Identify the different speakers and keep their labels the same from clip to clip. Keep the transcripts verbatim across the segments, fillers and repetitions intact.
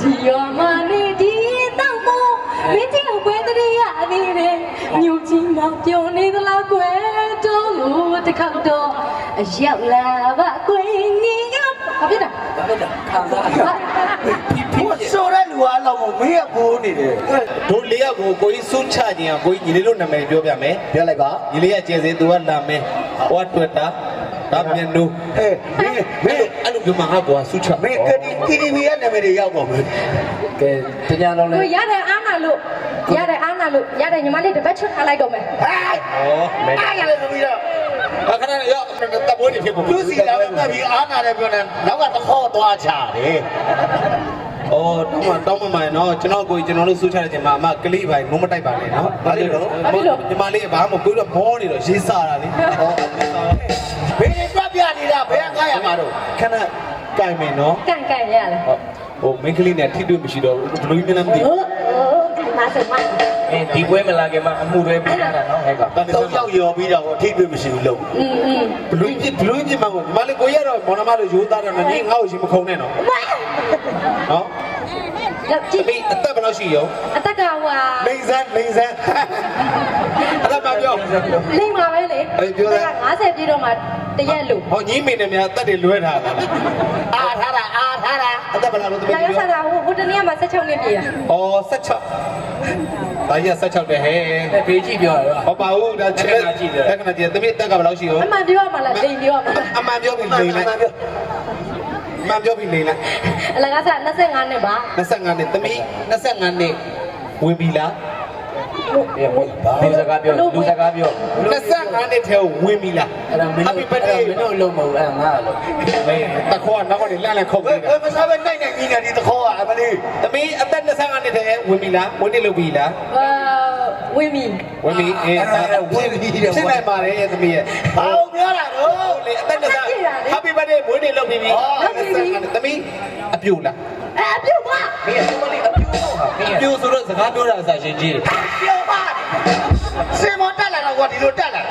Speaker 1: ဒီရောမနေဒီတော့မို့မင်းကြီးကိုပွဲတရေရအနေနဲ့မြို့ကြီးမှာပြောနေသလားကွယ်တော့လို့တစ်ခါတော့အရောက်လာပါကွယ်နေကဘာဖြစ်တာဘာဖြစ်တာခံစားရ
Speaker 2: ဆိုရဲလူအားလောက်ကိုမင်းကဘိုးနေတယ်
Speaker 3: တို့လေးယောက်ကိုကိုကြီးစွန့်ချခြင်းကိုကြီးညီလေးတို့နာမည်ပြောပြမယ်
Speaker 2: ပြောလိုက်ပါ
Speaker 3: ညီလေးကကျဲစင်သူကလာမယ်ဟောတွေ့တာဒါမြန်နူ
Speaker 2: ဟဲ့မင်းမင်း
Speaker 3: အဲ့လိုပြောမှာငါကွာစွန့်ချ
Speaker 2: မင်းကဒီတီဗီရဲ့နာမည်တွေရောက်ပါမယ်
Speaker 4: ကဲတညာလုံးလဲ
Speaker 1: ကိုရတယ်အားနာလို့ရတယ်အားနာလို့ရတယ်ညီမလေးတစ်ပတ်ချွတ်ထားလိုက်တော့မယ်ဟဲ့ဩ
Speaker 2: အားရတယ်ဆိုပြီးတော့
Speaker 3: အခဏရောက်တဘိုးနေဖြစ်ဖို့
Speaker 2: သူစီလာတော့ပြီးအားနာတယ်ပြောနေနောက်ကတခေါက်သွားချတယ်
Speaker 3: အော်တောင်းမတောင်းမမှန်နော်ကျွန်တော်ကိုကျွန်တော်တို့စူးချတဲ့ချိန်မှာအမကလေးပိုင်းမုံမတိုက်ပါနဲ့နော်
Speaker 2: ဘာလို့လဲ
Speaker 3: ညီမလေးဘာမှမကိုတော့မောနေတော့ရေးစားတာလေဟော
Speaker 2: ဘယ်ပြပြနေတာဘယ်ကရမှာတော့
Speaker 3: ခဏကြိုင်မယ်နော်
Speaker 1: ကန်ကန်ရလား
Speaker 3: ဟိုမင်းကလေးနဲ့ထိတွေ့မရှိတော့ဘူးဘလူးမျက်နှာမသိဘူး
Speaker 1: မာစမ
Speaker 4: အင်းဒီပွဲမလာခင်မှာအမှုတွေပြရတာနော်ဟဲ့က
Speaker 2: တော့ရောက်ရောပြီးတော့ထိတွေ့မရှိဘူးလို့
Speaker 1: อืม
Speaker 3: ဘလူးပြဘလူးပြမှာကိုညီမလေးကိုရတော့မော်နမလို့ရိုးသားတယ်နော်ညီငါ့ကိုရှင်မခုံနဲ့နော်နော်
Speaker 1: လောက်ကြည့်
Speaker 3: အသက်ဘယ်လောက်ရှိရော
Speaker 1: အသက်ကဟွာ
Speaker 3: လိမ့်စမ်းလိမ့်စမ်းအဲ့ဒါမပြော
Speaker 1: လိမ့်ပါပဲလေ
Speaker 3: ပြောတာ
Speaker 1: ငါးဆယ်ပြည့်တော့မှတရက်လို့
Speaker 3: ဟောညီမေနဲ့များအသက်တွေလွဲထားတာ
Speaker 2: အားထားတာအားထားတာ
Speaker 3: အသက်ဘယ်လောက်လို့တပည့်
Speaker 1: ပြောရတာဟိုဟိုတနေ့ကမှဆက်ချောင်းနေပြီလား
Speaker 3: ဩဆက်ချောင်းဒါကြီးဆက်ချောင်းတယ်ဟဲ့
Speaker 4: ဖေးကြည့်ပြောရ
Speaker 3: ဟောပါဦးဒါချက်ကြည့်တယ်တက္ကနာကြည့်တပည့်တက်ကဘယ်လောက်ရှိရော
Speaker 1: အမှန်ပြောရမှာလားလိမ့်ပြောရမှာ
Speaker 3: အမှန်ပြောပြီးလိမ့်လိုက်မှန်ပြောပြီးလိမ့်လိုက်
Speaker 1: အလကားစား၂၅နှစ်ပါ
Speaker 3: ၂၅နှစ်သမီး၂၅နှစ်ဝင်ပြီလား
Speaker 4: လူစကားပြောလူစကားပြော
Speaker 3: ၂၅နှစ်ထဲဝင်ပြီလား
Speaker 4: အဲ့ဒါမင်းတို့ပတ်တယ်မင်းတို့လုံးမဟုတ်အဲ့ငါလို့
Speaker 3: မင်းတခေါကနောက်ကနေလှမ်းလှမ်းခုတ်နေတာ
Speaker 2: ဘယ်မစားပဲနိုင်နိုင်ကြီးနေဒီတခေါကအမလေး
Speaker 3: သမီးအသက်၂၅နှစ်ထဲဝင်ပြီလားဝင်နေလို့ပြီလား
Speaker 1: အာဝင်ပြီ
Speaker 3: ဝင်ပြီအေး
Speaker 2: ဝင်ပြီတယ်
Speaker 3: ဖြစ်နိုင်ပါတယ်ရဲ့သမီးရဲ့
Speaker 2: ဘာလို့ပြောတာတော့
Speaker 3: လေအသက်၂၅ Happy birthday မွေးနေ့လုပ်ပြီးပြီသမီးအပြူလား
Speaker 1: အပြူပါ
Speaker 3: မင်းကသမီးအပြူတော့ဟာအပြူဆိုတော့စကားပြောတာအစားရှင်ကြီး
Speaker 2: ပြောပါစင်မတက်လာတော့ကွာဒီလိုတက်လာ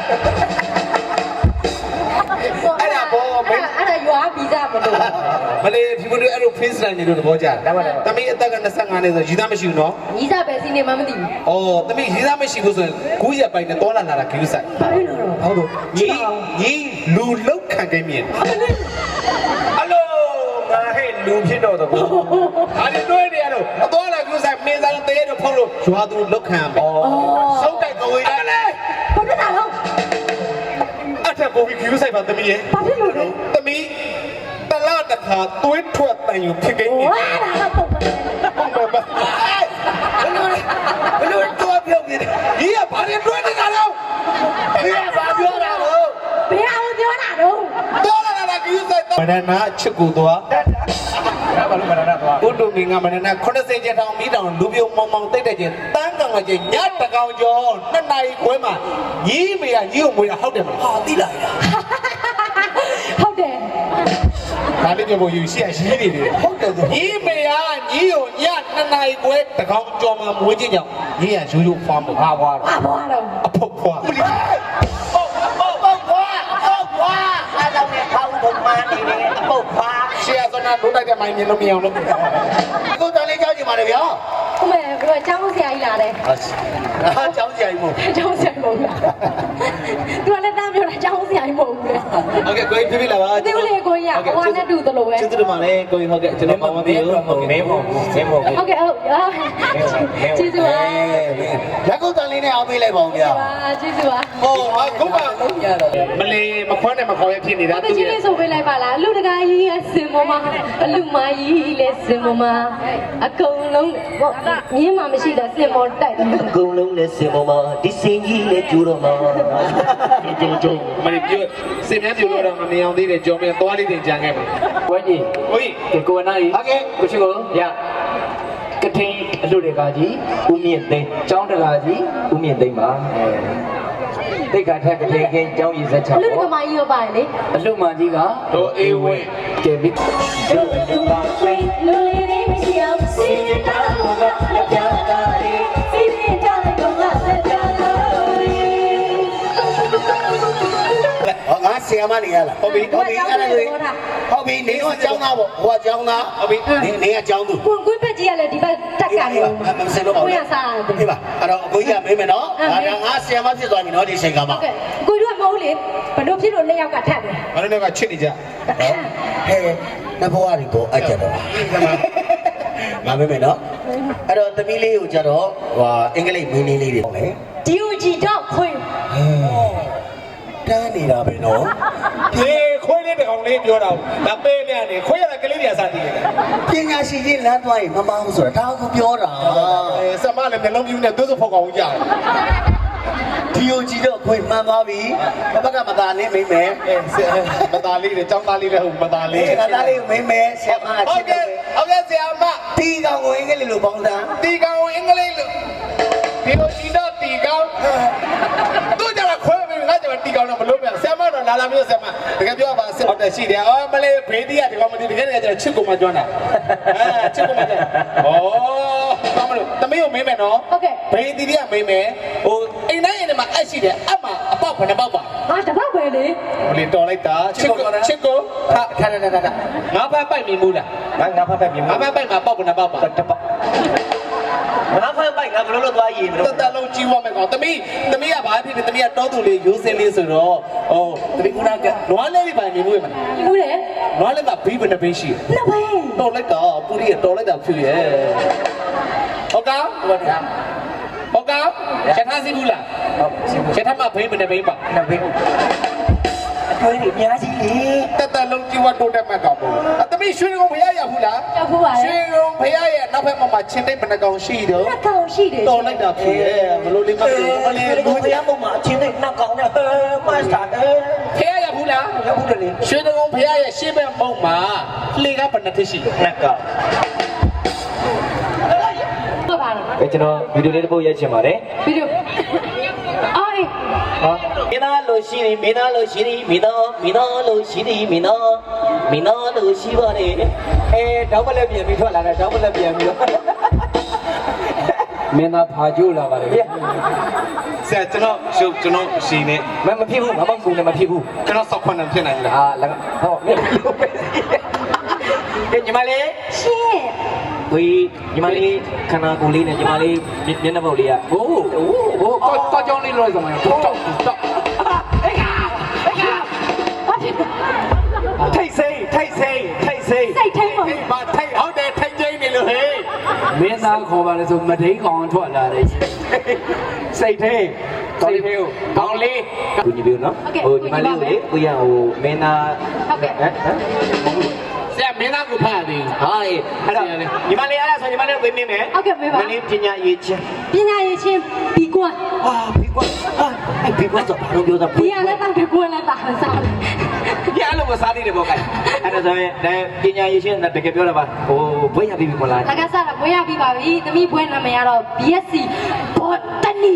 Speaker 3: အဲ့ဒါဘောမင်း
Speaker 1: အဲ့ဒါရွာဗီဇမလို့
Speaker 3: မလေးဒီလိုအဲ့လို face line တွေလို့သဘောကျတယ်သမီးအသက်က၂၅နှစ်ဆိုရည်သားမရှိဘူးနော်
Speaker 1: ရည်သားပဲစီနေမှမသိဘူး
Speaker 3: အော်သမီးရည်သားမရှိဘူးဆိုရင်ကိုရက်ပိုင်နဲ့တောလာလာတာခရူးဆိုင်
Speaker 1: ဘာလို့လဲ
Speaker 3: ဟုတ်တော့ညီညီလူလောက်ခံခဲ့မြင်အလိုငါဟဲ့လူဖြစ်တော့တော့အားနေတွေ့နေရတော့အသွားလာခရူးဆိုင်မင်းစားတေးတော့ဖုတ်လို့ရွာသူလောက်ခံမယ်ဆုံးတိုက်ကဝေးတယ်လေ
Speaker 1: ဘာဖြစ်တာလဲ
Speaker 3: အထက်ကိုခရူးဆိုင်ပါသမီးရဲ့
Speaker 1: ဘာဖြစ်လို့လဲ
Speaker 3: သမီးတလားတခါသွေးထွက်တန်ယူဖြစ်ခဲ့ပြီ
Speaker 1: ဝါဒါကပုံမှန်
Speaker 3: ပုံမှန်ပါ
Speaker 2: ဘယ်လိုဘယ်လိုတော့ပြောနေတယ်
Speaker 3: ဒီကဘာတွေတွေ့နေတာလဲ
Speaker 2: ဒီကဘာပြောတာလို့
Speaker 1: ဘယ်အောင်ပြောတာတော့
Speaker 3: တော်လာလာခရူးဆိုင်မနနာချစ်ကူသွားဘာလို့မနနာသွားဘုဒ္ဓမင်းကမနနာခုနှစ်ဆယ်ကျထောင်မိတောင်လူပြုံမောင်မောင်တိတ်တဲ့ချင်းတန်းကောင်ကချင်းညတကောင်ကျော်နှစ်နာရီခွဲမှာညီးမေကညီးကိုမွေးတာဟုတ်တယ်မလား
Speaker 2: ဟာတိလာရ
Speaker 1: ဟုတ်တယ်
Speaker 3: ဒါလေးပြောယူရှိရရှိနေတယ်
Speaker 2: ဟုတ်တယ်ဆို
Speaker 3: ညီးမေကညီးကိုညနှစ်နာရီခွဲတကောင်ကျော်မှာမွေးခြင်းကြောင့်ညီးကရိုးရိုးဖွားမ
Speaker 1: ွားဖွားတော့ဖွားတော့
Speaker 3: အဖုတ်ဖွား
Speaker 2: ဟုတ်ဟုတ်ဟုတ်ဖွားဟုတ်ဖွားအားလုံးနဲ့ဖောင်းဖို့မှန်းနေတယ်အပုတ်ဖွား
Speaker 3: ရှေ့ကစနာဒုတိုက်တဲ့မိုင်းမြင်လို့မရအောင်လို့
Speaker 2: ကိုတော်လေးကြောက်ကြည့်ပါလေဗျာ
Speaker 1: ဟုတ်မယ်ဘယ်ချောင်းဆရာကြီးလာတယ်
Speaker 2: ဟာကျောင်းဆရာကြီးမဟုတ်
Speaker 1: ကျောင်းဆရာမဟုတ်လားသူကလည်းတမ်းပြောတာကျောင်းဆရာကြီးမဟုတ်ဘူးလေ
Speaker 3: ဟုတ်ကဲ့ကိုကြီးပြပြလာပါ
Speaker 1: ဒီလိုလေကိုကြီးကဟိုနဲ့တူသလိုပဲ
Speaker 3: ကျေးဇူးတင်ပါတယ်ကိုကြီးဟုတ်ကဲ့ကျွန်တော်မောင်မပြေလို့ဟုတ်
Speaker 4: မင်းမဟုတ်မင်းမဟုတ်
Speaker 1: ဟုတ်ကဲ့ဟုတ်ကျေးဇူးပါ
Speaker 2: လက်ကုတ်တန်လေးနဲ့အောင်ပေးလိုက်ပါဦးဗျာ
Speaker 1: ကျေးဇူးပါ
Speaker 3: ဟောဟာခုမှမလေးမခွန်းနဲ့မခေါ်ရဖြစ်နေတာ
Speaker 1: သူကြီးလေးဆိုပေးလိုက်ပါလားလူတကာကြီးရဲ့စင်မမအလူမကြီးလည်းစင်မမအကုန်လုံးမြင်းမှမရှိတဲ့စင်မောတိုက်တယ်
Speaker 2: အကုန်လုံးလည်းစင်မမဒီစင်ကြီးလည်းကျူတော့မှာ
Speaker 3: ကျုံကျုံမလေးပြောစင်မြတ်ပြလို့တော့မမြင်အောင်သေးတယ်ကြော်မြသွားလေးတင်ကြံခဲ့ပါ
Speaker 4: ဝဲကြီး
Speaker 3: ဟိုကြီး
Speaker 4: ကိုဝနာကြီး
Speaker 2: ဟုတ်ကဲ့
Speaker 4: ကိုရှိကိုရကထိန်အလှတွေကကြီးဦးမြင့်သိန်းကျောင်းတကာကြီးဦးမြင့်သိန်းပါအဲတိတ်ခါထက်ကလေးကင်းကျောင်းရည်ဆက်ချ
Speaker 1: အလှကမာကြီးရောပါတယ်လေ
Speaker 4: အလှမကြီးက
Speaker 3: တော့အေးဝင်း
Speaker 4: ကဲပြီ
Speaker 1: လူလူပါလိလူလေးလေးမရှိအောင်စီးတာဘောကလက်ပြတာလေးစီးရင်တာလေးဘောကလက်ပြတာလေး
Speaker 2: ဟောငါဆရာရာမနေရလားဟုတ်ပြီဟုတ်ပြီအဲ့ဒါလေဟုတ်ပြီနေတော့ကျောင်းသားပေါ့ဟိုကကျောင်းသားဟုတ်ပြီနေနေကကျောင်းသူ
Speaker 1: ကိုကိုဘက်ကြီးကလည်းဒီဘက်တက်ကနေ
Speaker 2: မစလို့ပါဘူး
Speaker 1: ကိုရစားတယ်
Speaker 2: ဒီပါအဲ့တော့အကိုကြီးကမေးမယ်နော်ဒါကငါဆရာမဖြစ်သွားပြီနော်ဒီချိန်ကမှ
Speaker 1: ဟုတ်ကဲ့ကိုတို့ကမဟုတ်လေဘလို့ဖြစ်လို့နှစ်ယောက်ကထပ်တယ်
Speaker 3: ဘာလို့လဲကချစ်နေကြ
Speaker 2: ဟဲ့နဘောရီကိုအကြတော့ငါမေးမယ်နော်အဲ့တော့သမီးလေးကိုကြတော့ဟိုအင်္ဂလိပ်မင်းလေးလေးတွေပေါ့လေ
Speaker 1: ဒီယိုဂျီတော့ခွေ
Speaker 2: တန်းနေတာပဲနော်
Speaker 3: ဒီခွေးလေးတကောင်လေးပြောတာဒါပေးနေရတယ်ခွေးရတဲ့ကလေးတွေကစားတည်တယ်
Speaker 2: ပညာရှိကြီးလမ်းသွားရင်မမအောင်ဆိုတာဒါကိုပြောတာ
Speaker 3: အဲစမလည်းမျိုးလုံးပြူးနဲ့သွေးစဖောက်ကောင်ကြီးကြတယ်
Speaker 2: ဒီယိုကြီးတော့ခွေမှန်သွားပြီဘက်ကမသားလေးမိမယ်
Speaker 3: အဲမသားလေးတွေចောင်းသားလေးလည်းဟုတ်မသားလေး
Speaker 2: ဒီကသားလေးမိမယ်ဆရာမချ
Speaker 3: ဟုတ်
Speaker 2: စ်
Speaker 3: ကဲ့ဟုတ်ကဲ့ဆရာမ
Speaker 2: တီကောင်ကိုအင်္ဂလိပ်လိုပေါင်းတာ
Speaker 3: တီကောင်အင်္ဂလိပ်လိုဒီလိုတီတော့တီကောင်တို့ကြတာခွဲပြီးငါကြတာတီကောင်တော့မလို့ပြန်ဆရာမတော့လာလာမျိုးဆရာမတကယ်ပြောပါဆရာဟုတ်တယ်ရှိတယ်အော်မလေးဘေးတီးကဒီကောင်မတီးတကယ်တကယ်ကျချစ်ကုန်မှကျွမ်းတာအဲချစ်ကုန်မှကျွမ်းဩကောင်းမလို့တမီးကိုမေးမယ်နော်
Speaker 1: ဟုတ်ကဲ့
Speaker 3: ဘေးတီးကမေးမယ်ဟိုအိမ်တိုင်းအိမ်ထဲမှာအက်ရှိတယ်အမအပေါက်ဘယ်နှပေါက်ပါ
Speaker 1: ဟာတပတ်ပဲလေ
Speaker 3: ဟိုလေတော်လိုက်တာချစ်ကိုချစ်ကိုဟာခါရရရငါဖတ်ပိုက်မြင်ဘူးလား
Speaker 4: ငါငါဖတ်ဖတ်ပြင်
Speaker 3: ငါဖတ်ပိုက်မှာပေါက်ဘယ်နှပေါက်ပါ
Speaker 4: တပတ်ငါဖတ်ပိုက်ငါဘယ်လိုလုပ်သွားရည်မ
Speaker 3: တ
Speaker 4: လို့
Speaker 3: တလုံးကြီးဝမယ်ကောင်တမီးတမီးကဘာဖြစ်လဲတမီးကတောသူလေးရိုးစင်းလေးဆိုတော့ဟိုတမီးဦးနာကနွားလေးပါမြင်ဘူးမလား
Speaker 1: ဘူးလေ
Speaker 3: နွားလေးကဘီးဘယ်နှပင်းရှိ
Speaker 1: နှစ်ပဲ
Speaker 3: တော်လိုက်တာပူရီတော်လိုက်တာဖြူရဲ့ဟုတ်ကောဟုတ်ကဲ့ဟုတ်ကောချက်ထားစီဘူးလား
Speaker 4: ဟုတ်စီဘူး
Speaker 3: ချက်ထားမှဘိန်းဘယ်နှပင်းပါ
Speaker 4: နှစ်ဘင်းအတွေ့အများကြီးလေ
Speaker 3: တတလုံးကြီးဝတိုးတက်မှတ်ကောင်ပေါ့တမီးရွှေကုန်းဖရရဘူးလား
Speaker 1: ကြောက်ဘူးပါ
Speaker 3: ရွှေကုန်းဖရရဲ့နောက်ဘက်မှာချင်းတိတ်ဘယ်နှကောင်ရှိတော့
Speaker 1: နှစ်ကောင်ရှိတယ်
Speaker 3: တော်လိုက်တာဖြူရဲ့ဘလို့လေးမလို့မလေး
Speaker 4: လူ
Speaker 3: လူ
Speaker 4: တရားပုံမှာအချင်းနဲ့နှက်ကောင်းနဲ့ဟဲမတ်စတာအဲ
Speaker 3: ဖရရဘူးလား
Speaker 4: ရောက်ဘူးလေ
Speaker 3: ရွှေကုန်းဖရရဲ့ရှေ့ဘက်ပုံမှာလှေကဘယ်နှထရှိ
Speaker 4: နှက်ကောင်း
Speaker 1: ဟုတ်ပါတော့
Speaker 4: အဲကျွန်တော်ဗီဒီယိုလေးတစ်ပုတ်ရိုက်ချင်ပါတယ်
Speaker 1: ဗီဒီယိုအော်
Speaker 4: ဟာမင်းသားလို့ရှိရင်မင်းသားလို့ရှိရင်မင်းသားမင်းသားလို့ရှိရင်မင်းသားမင်းသားလို့ရှိပါနဲ့အဲတောင်းပလက်ပြန်ပြီးထွက်လာတယ်တောင်းပလက်ပြန်ပြီးတော့မင်းသားဖာကျိုးလာပါလေဗျာ
Speaker 3: ဆရာကျွန်တော်ရှုပ်ကျွန်တော်ရှိနေ
Speaker 4: မမဖြစ်ဘူးမမကူလည်းမဖြစ်ဘူး
Speaker 3: ကျွန်တော်စောက်ခွန်းနဲ့ဖြစ်နိုင်လား
Speaker 4: အာလည်းဟောမင်းလို့ပဲကဲညီမလေး
Speaker 1: ရှင်း
Speaker 4: ဝေးညီမလေးခန္ဓာကိုယ်လေးနဲ့ညီမလေးမျက်နှာပုတ်လေးကဟိုးဟိုးဟိုးကောကောကြောင်းလေးလို့ဆိုမှတော့တော့တော့အေးကအေးက
Speaker 1: ဘာဖြစ်
Speaker 4: ထိတ်စိမ့်ထိတ်စိမ့်ထိတ်စိမ့်
Speaker 1: စိတ်ထိန်ပါ
Speaker 3: ဘာထိုက်ဟုတ်တယ်ထိုက်ကျင်းနေလို့ဟေး
Speaker 4: မင်းသားခေါ်ပါလေဆိုမဒိန်းကောင်ထွက်လာတယ်စိတ်ထဲစိတ်ထဲကိုကောင်းလေးကိုညီပြောနော်ဟိုညီမလေးကိုလေကိုရဟိုမင်းသားဟမ်ဟမ်
Speaker 3: ဆရာမင်းသားကိုဖတ်သည်
Speaker 4: ဟာအဲ့တော့ညီမလေးအဲ့ဒါဆိုညီမလေးကိုပြင်မယ်
Speaker 1: ဟုတ်ကဲ့မေးပါ
Speaker 4: မလေးပညာရေးချင်း
Speaker 1: ပညာရေးချင်းဘီကွန်း
Speaker 4: ဟာဘီကွာဟာအဲ့ဘီကွာဆိုဘာလို့ပြောတာ
Speaker 1: ဘီရလည်းတောက်ဘီကွန်းလည်းတာစားတယ်
Speaker 4: ပြအဲ့လိုမစားသေးတယ်ပေါ့ကဲအဲ့ဒါဆိုရင်ဒါပညာရေးချင်းတကယ်ပြောတာပါဟိုဘွေးရပြီမလား
Speaker 1: တကယ်စားတော့ဘွဲရပြီးပါပြီသမီးဘွဲနာမည်ကတော့ ဘီ အက်စ် စီ Botany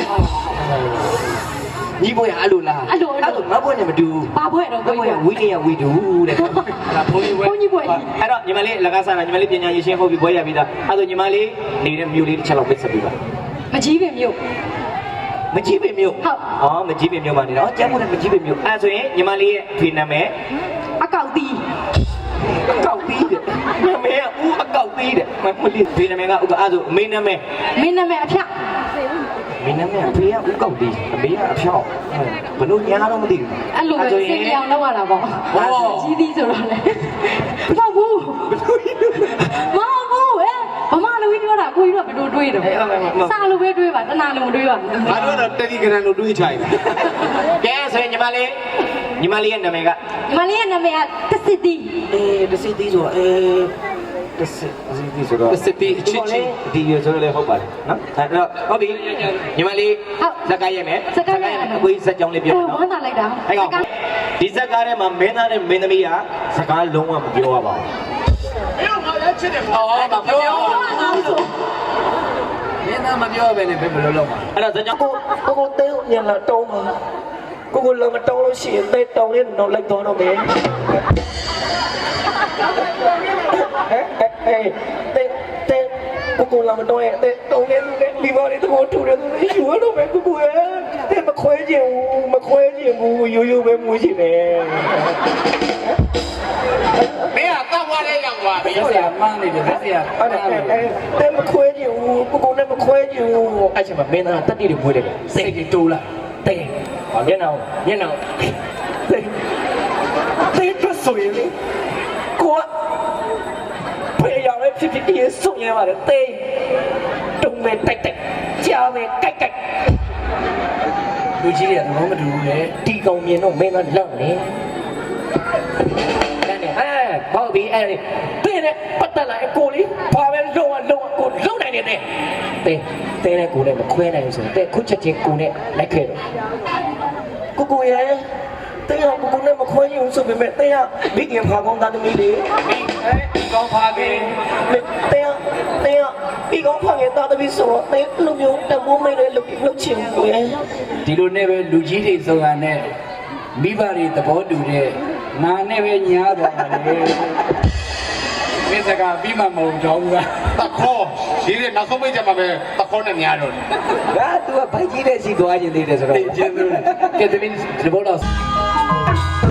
Speaker 4: ညီဘွေးအဲ့လိုလားငါဘွေးနဲ့မတူ
Speaker 1: ပါဘွဲတော့
Speaker 4: ငါဘွေးကဝီလီယံဝီဒူတဲ့အဲ့ဒါဘုန်းကြီးဘွေး
Speaker 1: ဘုန်းကြီးဘွဲ
Speaker 4: အဲ့တော့ညီမလေးလကားစားတာညီမလေးပညာရေးချင်းဟုတ်ပြီဘွေးရပြီသားအဲ့တော့ညီမလေးနေတဲ့မြို့လေးတစ်ချက်လောက်ပြဆက်ပေးပါ
Speaker 1: မကြီးပင်မြို့
Speaker 4: မကြီးပင်မြို့
Speaker 1: ဟုတ်
Speaker 4: အော်မကြီးပင်မြို့မှာနေတော့ကျမ်းမို့လည်းမကြီးပင်မြို့အဲ့ဆိုရင်ညီမလေးရဲ့ဖေနာမည်
Speaker 1: အကောက်တီး
Speaker 4: အကောက်သေးတယ်နာမည်ကဦးအကောက်သေးတယ်မမလေးဖေနာမည်ကဥကအဲ့ဆိုအမေနာမည်
Speaker 1: မင်းနာမည်အဖျက်
Speaker 4: မင်းနာမည်အဖေကဦးကောက်သေးအမေကအဖြောင်းဘလို့ညာတော့မသိဘူး
Speaker 1: အဲ့လိုပဲစင်ပြောင်လောက်ရတာပေါ့ကြီးသီးဆိုတော့လေမဟုတ်ဘူးမဟုတ်ဘူးအဲဘာမှလည်းပြောတာကိုကြီးတော့ဘယ်လိုတွေးတယ်စားလို့ပဲတွေးပါတနာလုံးမတွေးပါဘူး
Speaker 3: ငါတို့တော့တတိကရန်လို့တွေးချိုင်တယ်
Speaker 4: ကဲဆိုရင်ညီမလေးညီမလေးရဲ့နာမည်က
Speaker 1: ညီမလေးရဲ့နာမည်ကတစစ်တီး
Speaker 4: အေးတစီတီးဆိုအေးတစီတီးဆိုတော့
Speaker 3: စစ်တီအချစ်ချင်း
Speaker 4: ဒီရဆိုလည်းဟုတ်ပါတယ်နော်အဲ့တော့ဟုတ်ပြီညီမလေးဇက်ကရဲ့မယ်အကွေးဇက်ကြောင်းလေးပြော
Speaker 1: ဟို
Speaker 4: နော်
Speaker 1: ဝမ်းသာလိုက်တာ
Speaker 4: အဲ့ကောင်ဒီဇက်ကားထဲမှာမင်းသားနဲ့မင်းသမီးကစကားလုံးဝမပြောရပါဘူး
Speaker 3: မင်းတို့ငါလည်းချစ်တယ်ဟောမပြော
Speaker 4: မင်းသားမပြောဘဲနဲ့ဘယ်လိုလုပ်မှာအဲ့ဒါဇက်ကြောင်းကိုကိုကိုတဲညံလာတောင်းမှာကိုကိုလည်းမတောင်းလို့ရှိရင်တဲတောင်းလေးတော့လိုက်တော့တော့မယ်ဟဲ့ဟဲ့တဲတဲကိုကိုလည်းမတောင်းရဲ့တဲတောင်းလေးဒီဘော်လေးတော့ထူတယ်သူယူရတော့မယ်ကိုကိုရဲ့တဲတဲ့မခွဲချင်ဘူးမခွဲချင်ဘူးရိုးရိုးပဲမွေးချင်တယ်
Speaker 3: မင်းကတော့သွားလဲရောက်သွားပြီ
Speaker 4: ဆရာမန်းနေတယ်ဆရာအဲ့ဒါတဲ့မခွဲချင်ဘူးကိုကိုနဲ့မခွဲချင်ဘူးအဲ့ချိန်မှာမင်းသားတက်တိတွေမွေးတယ်စိတ်တွေတိုးလာတဲ့ဟောမျက်နှာမျက်နှာတဲ့တဲ့ပြဆိုရင်ကိုကဖေးရတဲ့ဖြစ်ဖြစ်ဒီဆုံးရပါတယ်တဲ့တုံးမဲ့တိုက်တိုက်ကြားမဲ့ကြိုက်ကြိုက်လူကြီးတွေကသဘောမတူဘူးလေတီကောင်မြင်တော့မင်းသားလောက်နေဟဲ့ဘောက်ဘီအဲ့ဒီတင်းနဲ့ပတ်သက်လာအကိုလေးဘာပဲလုံးဝလုံးဝကိုလုံးနိုင်နေတယ်တင်းတင်းနဲ့ကိုနဲ့မခွဲနိုင်ဘူးဆိုတော့တဲ့ခုချက်ချင်းကိုနဲ့လိုက်ခဲ့တော့ကိုကိုရဲ့တင်းကကိုကိုနဲ့မခွဲရင်ဆိုပေမဲ့တင်းကမိခင်ဖာကောင်းသားသမီးလေးအဲဒီကောင်းဖာခင်တင်းကတင်းကဒီကောင်းဖာရဲ့သားသမီးဆိုတော့တင်းလူမျိုးတမိုးမိတ်လေးလုတ်လုတ်ချင်ကိုရဲ့ဒီလိုနဲ့ပဲလူကြီးတွေစုံရနဲ့မိဘတွေသဘောတူတဲ့နာနဲ့ပဲညားသွားတယ်မင်းစကားပြီးမှမဟုတ်တော့ဘူးက
Speaker 3: တခေါ်ဒီနေ့နောက်ဆုံးပိတ်ကြမှာပဲတခေါ်နဲ့များတော့
Speaker 4: ငါသူကဘိုက်ကြီးတဲ့စီသွားခြင်းသေးတယ်ဆိုတော့ကျေးဇူးကဲသမီးဒီဘောတော့